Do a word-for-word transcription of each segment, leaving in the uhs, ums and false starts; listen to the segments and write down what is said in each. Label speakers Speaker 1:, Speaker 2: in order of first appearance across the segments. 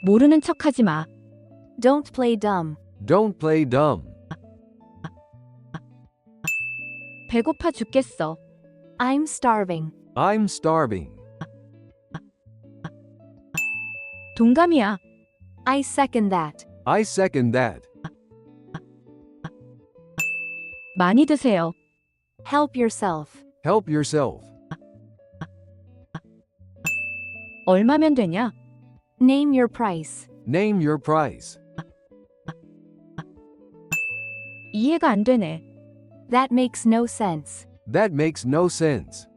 Speaker 1: 모르는 척하지 마.
Speaker 2: Don't play dumb.
Speaker 3: Don't play dumb.
Speaker 1: 배고파 죽겠어.
Speaker 2: I'm starving.
Speaker 3: I'm starving.
Speaker 1: 동감이야.
Speaker 2: I second that.
Speaker 3: I second that.
Speaker 1: 많이 드세요.
Speaker 2: Help yourself.
Speaker 3: Help yourself.
Speaker 1: 얼마면 되냐?
Speaker 2: Name your price.
Speaker 3: Name your price.
Speaker 1: 이해가 안 되네.
Speaker 2: That makes no sense.
Speaker 3: That makes no sense.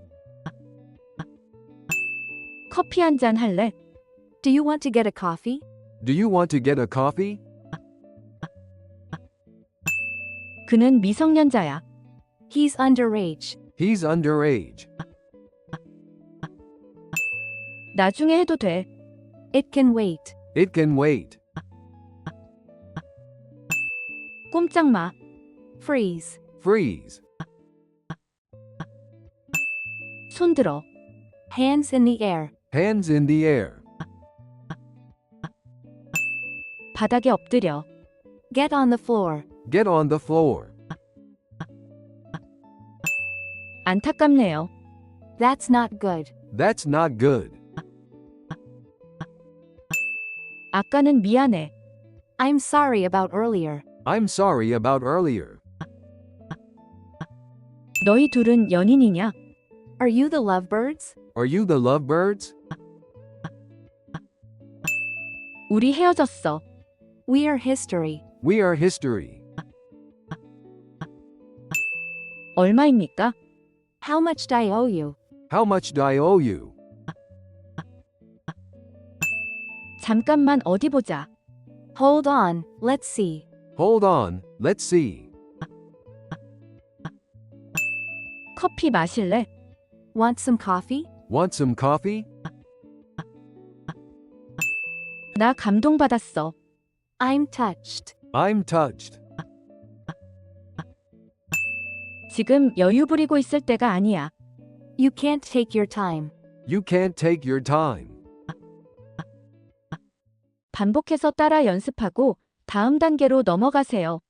Speaker 1: 커피 한 잔 할래?
Speaker 2: Do you want to get a coffee?
Speaker 3: Do you want to get a coffee?
Speaker 1: 그는 미성년자야.
Speaker 2: He's underage.
Speaker 3: He's underage.
Speaker 1: 나중에 해도 돼.
Speaker 2: It can wait.
Speaker 3: It can wait.
Speaker 1: 꼼짝 마.
Speaker 2: Freeze.
Speaker 3: Freeze.
Speaker 1: 손 들어.
Speaker 2: Hands in the air.
Speaker 3: Hands in the air.
Speaker 1: 바닥에 엎드려.
Speaker 2: Get on the floor.
Speaker 3: Get on the floor.
Speaker 1: 안타깝네요.
Speaker 2: That's not good.
Speaker 3: That's not good.
Speaker 1: 아까는 미안해.
Speaker 2: I'm sorry about earlier.
Speaker 3: I'm sorry about earlier.
Speaker 1: 너희 둘은 연인이냐?
Speaker 2: Are you the lovebirds?
Speaker 3: Are you the lovebirds?
Speaker 1: 우리 헤어졌어.
Speaker 2: We are history.
Speaker 3: We are history.
Speaker 1: 얼마입니까?
Speaker 2: How much do I owe you?
Speaker 3: How much do I owe you?
Speaker 1: 잠깐만 어디 보자.
Speaker 2: Hold on, let's see.
Speaker 3: Hold on, let's see.
Speaker 1: 커피 마실래?
Speaker 2: Want some coffee?
Speaker 3: Want some coffee?
Speaker 1: 나 감동받았어.
Speaker 2: I'm touched.
Speaker 3: I'm touched.
Speaker 1: 지금 여유 부리고 있을 때가 아니야.
Speaker 2: You can't take your time.
Speaker 3: You can't take your time.
Speaker 1: 반복해서 따라 연습하고 다음 단계로 넘어가세요.